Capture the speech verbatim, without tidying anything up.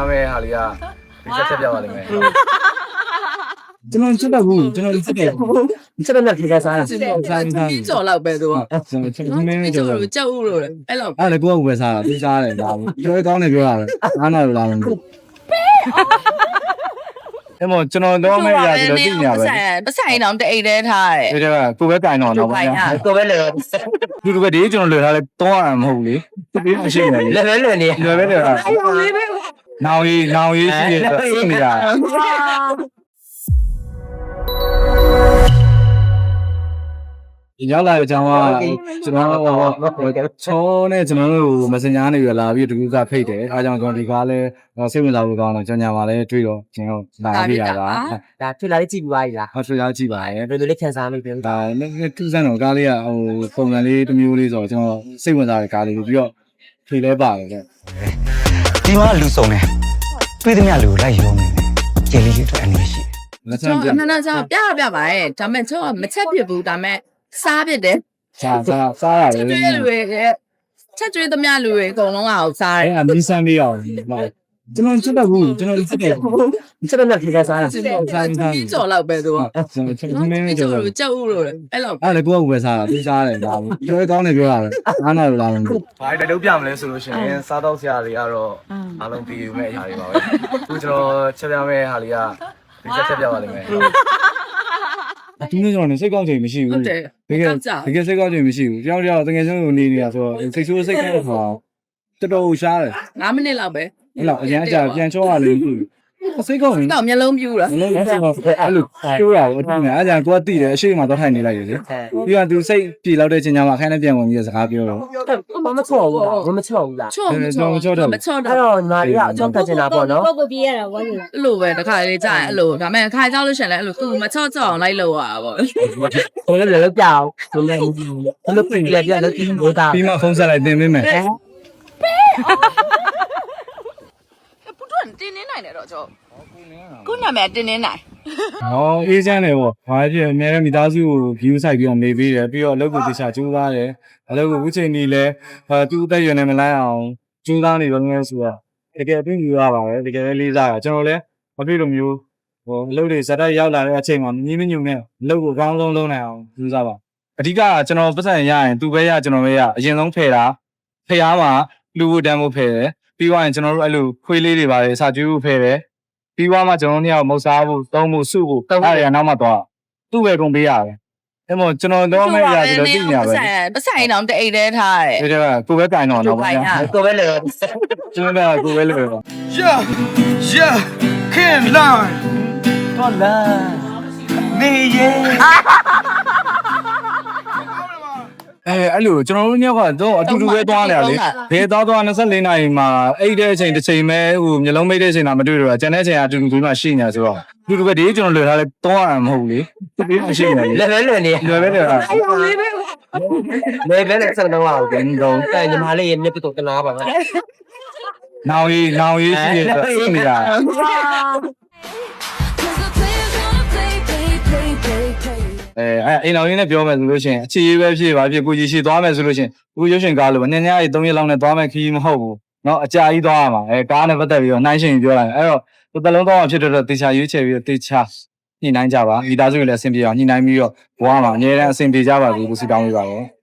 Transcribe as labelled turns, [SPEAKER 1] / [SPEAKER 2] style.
[SPEAKER 1] ပြမယ်ဟာလေးကဒီချက်ချက်ပြပါလိမ့်မယ်
[SPEAKER 2] ကျွန်တော်ချက်တော့ဘူးကျွန်တော်ချက်တယ်ချက်တော့ဖြေစားစားစားစား
[SPEAKER 3] ကြော်လောက်ပဲသူက
[SPEAKER 2] ကျွန်တော်ချက်မင်းမင်းကြော်
[SPEAKER 3] ကြောက်ဦးလို့အဲ့လောက်
[SPEAKER 2] အဲ့လေကိုကဝယ်စားတာသိစားတယ်ဒါပြောကောင်းတယ်ပြောရတယ်အားနာလို့လားမသိအဲ့မကျွန်တော်တော့မဲ့ရတယ်လို့သိနေရပဲ
[SPEAKER 3] ပတ်ဆိုင်တော့တအိတ်တည်းထားတယ်
[SPEAKER 2] ဒီကကိုပဲကင်တော့တော့ဗျာ
[SPEAKER 4] ကိုပဲလေ
[SPEAKER 2] လူလူပဲဒီကျွန်တော်လွယ်ထားလဲတော့ရမှာမဟုတ်လေဒီမရှိနေ
[SPEAKER 4] လေလေလေနေ
[SPEAKER 2] လွယ်ပဲလေနောင်ကြီးနောင်ကြီးရှိရသိနေတာဒီရောက်လာတဲ့အကြောင်းကကျွန်တော်ချောနဲ့ကျွန်တော်တို့ Messenger နေရလာပြီးတကူကဖိတ်တယ်အားကြောင့်ကျွန်တော်ဒီကားလဲစိတ်ဝင်စားဖို့ကောင်းတော့ကျွန်ညာမှာလဲတွေ့တော့ကျွန်တော်လာပြရတာ
[SPEAKER 4] ဒါထွေလာလေးကြည့်ပြီးပါလား
[SPEAKER 2] ဟုတ်ထွေလာကြည့်ပါရဲ့
[SPEAKER 4] ဘယ်လိုလေးခံစားမိပြန်
[SPEAKER 2] ဒါသူစမ်းတော့ကားလေးကဟိုပုံစံလေးတစ်မျိုးလေးဆိုတော့ကျွန်တော်စိတ်ဝင်စားတဲ့ကားလေးပြီးတော့ဖြေလဲပါတယ်တဲ့
[SPEAKER 5] ဒီမှာလူစုံတယ်တွေးသမျှလူကိုလိုက်ရုံးနေတယ်ကျေလေးလေးအတွက်အနေရှိ
[SPEAKER 2] လက်ဆံ
[SPEAKER 3] ပြနနစားပြပြပါရဲ့ဒါမဲ့ချောမချက်ပြဘူးဒါမဲ့စားပြတယ်
[SPEAKER 2] စားစားစားရတယ်
[SPEAKER 3] ကျွေးလူတွေချက်ကျွေးသမျှလူတွေအကုန်လုံးအောင်စားတယ်
[SPEAKER 2] အဲ့အမီးဆန်းလေးအောင်ကျွန်တော်ချက်တော့ဘူးကျွန်တော်ချက်တယ်
[SPEAKER 4] ချက်တော့ဖြေစားစား
[SPEAKER 2] စားစား
[SPEAKER 3] ကြော်လောက်ပဲသူက
[SPEAKER 2] ကျွန်တော်ချက်မင်းမင်းကြော်
[SPEAKER 3] ကြောက်ဦးလို့အဲ့လောက်
[SPEAKER 2] အဲ့လေကိုကဝယ်စားတာသိစားတယ်ဒါပြောကောင်းတယ်ပြောရတယ်အားနာလို့လားမသိ
[SPEAKER 1] ဘာတွေတုပ်ပြမလဲဆိုလို့ရှိရင်စားတော့ဆရာတွေကတော့အားလုံးပြီးယူမဲ့အရာတွေပါပဲအခုကျွန်တော်ချက်ပြမယ်ဟာလေးကဒီချက်ချက်ပြပါလိမ့်မယ်
[SPEAKER 2] ဒီနေ့ကျွန်တော်စိတ်ကောင်းချိန်မရှိဘူးတကယ်တကယ်စိတ်ကောင်းချိန်မရှိဘူးတယောက်တယောက်တကယ်ချင်းကိုနေနေတာဆိုတော့စိတ်ဆိုးစိတ်ကောင်းတော့တော်တော်ရှားတယ်
[SPEAKER 3] ငါးမိနစ်လောက်ပဲ
[SPEAKER 2] အဲ့လောက်အရင်အကြာပြန်ချောရလို့စိတ်ကောင်းရင်
[SPEAKER 3] တော့မျက်လုံးပြူတာ
[SPEAKER 2] မျက်လုံးပြူတော့အဲ့လိုကျိုးရအောင်အထင်နဲ့အဲ့ကြာကိုကတိတယ်အရှိမတော့ထိုင်နေလိုက်ရလေပြီးတော့သူစိတ်ပြေလောက်တဲ့ချိန်ကျမှခိုင်းနဲ့ပြန်ဝင်ပြီးစကားပြောတော့
[SPEAKER 4] မမချောဘူးလားမချောဘူးလား
[SPEAKER 3] ချောမချော
[SPEAKER 2] မချောတော့
[SPEAKER 3] မချောတော့
[SPEAKER 4] အဲ့တော့ညီမလေးကအကြောင်းတက်နေတာပေါ့နော်
[SPEAKER 6] ပုတ်ပုတ်ပြေးရတာဝမ်းနေ
[SPEAKER 3] အဲ့လိုပဲတခါလေးကြာရင်အဲ့လိုဒါမဲ့ခါကြောက်လို့ရှင်လဲအဲ့လိုသူမချော့ချော့အောင်လိုက်လို့ရတာပေါ့
[SPEAKER 4] ဟိုလည်းလည်းကြောက်ဘယ်လိုဘယ်လိုပြင်ပြပြလို့ဒီလိုတာ
[SPEAKER 2] ပြီးမှဖုန်းဆက်လိုက်တင်ပေးမယ်
[SPEAKER 3] ပုတွန်းတင်းနေနိုင်တယ်တော့ကျော်ကိုနာမည်တင်းနေနိုင်
[SPEAKER 2] ဟောအေးချမ်းတယ်ပေါ့ဘာဖြစ်အများနဲ့မိသားစုကို view ဆိုင်ပြီးတော့နေပေးတယ်ပြီးတော့အလုပ်ကိုတခြားကျူးသားတယ်အလုပ်ကိုအခုချိန်ကြီးလဲဟာသူ့အသက်ရွယ်နေမလိုက်အောင်ကျူးသားနေတော့ငယ်ဆိုတော့တကယ်အပြင်ယူရပါတယ်တကယ်လေးစားတာကျွန်တော်လည်းမဖြစ်လို့မျိုးဟိုအလုပ်တွေဇာတ်တက်ရောက်လာတဲ့အချိန်မှာမြင်းမညုံနဲ့အလုပ်ကိုအကောင်းဆုံးလုပ်နိုင်အောင်ယူစားပါအဓိကကျွန်တော်ပတ်စံရရင်သူပဲရကျွန်တော်ပဲရအရင်ဆုံးဖယ်တာဖယ်အားမှာလူဝတန်းဖို့ဖယ်တယ်ပြီးသွားရင်ကျွန်တော်တို့အဲ့လိုခွေးလေးတွေပါတယ်စာကျွေးဖို့ဖယ်တယ်ပြီးသွားမှကျွန်တော်တို့ညမုတ်စားဖို့သုံးဖို့စုဖို့အဲ့ဒါနောက်မှသွားသူ့ပဲကုန်ပေးရတယ်အဲ့မို့ကျွန်တော်တော့မဲ့ရတယ်လို့သိနေရပဲ
[SPEAKER 3] ပတ်ဆိုင်တော့တအိတ်တည်းထားတယ်
[SPEAKER 2] ဒီကကိုပဲကင်တော့တော့ဗျာ
[SPEAKER 4] ကိုပဲလေ
[SPEAKER 2] ကျွန်တော်ကကိုပဲလေ
[SPEAKER 5] Yeah yeah can't lie
[SPEAKER 4] တော့လာနေရဲ့
[SPEAKER 2] အဲအဲ့လိုကျွန်တော်တို့ညောက်ကတော့အတူတူပဲသွားနေရလေဘယ်သွားသွား24နာရီမှာအဲ့တဲ့အချိန်တစ်ချိန်ပဲဟိုမျိုးလုံးမိတ်တဲ့အချိန်တာမတွေ့တော့ကျန်တဲ့အချိန်ကအတူတူပြီးမှရှိနေဆိုတော့အတူတူပဲဒီကျွန်တော်လွယ်ထားလဲတော့ရမှာမဟုတ်လေဒီမရှိနေ
[SPEAKER 4] လေလေလေနေ
[SPEAKER 2] လွယ်ပဲလေအဲ့
[SPEAKER 4] လေးပဲလေပဲလေစံတော့အောင်ပြန်တော့အဲညီမလေးရဲ့မျက်တော့တနာပါ
[SPEAKER 2] နောင်ကြီးနောင်ကြီးရှိရသိနေတာအဲအဲ့အိမ်တော်ရင်းနဲ့ပြောမယ်ဆိုလို့ရှိရင်အခြေရေးပဲဖြစ်ပါဖြစ်ကိုကြီးရှိသွားမယ်ဆိုလို့ရှိရင်ကိုရုပ်ရှင်ကားလို့ညညရေး၃ရက်လောက်နဲ့သွားမယ်ခီးမဟုတ်ဘူးเนาะအကြာကြီးသွားရမှာအဲကားနဲ့ပတ်သက်ပြီးတော့နှိုင်းရှင်ပြောလိုက်အဲ့တော့ဒီတလုံးသွားမှဖြစ်တော့တေချာရွေးချယ်ပြီးတော့တေချာညှိနှိုင်းကြပါမိသားစုတွေလည်းအဆင်ပြေအောင်ညှိနှိုင်းပြီးတော့ဘဝမှာအများအားအဆင်ပြေကြပါဘူးကိုစီတောင်းပေးပါတော့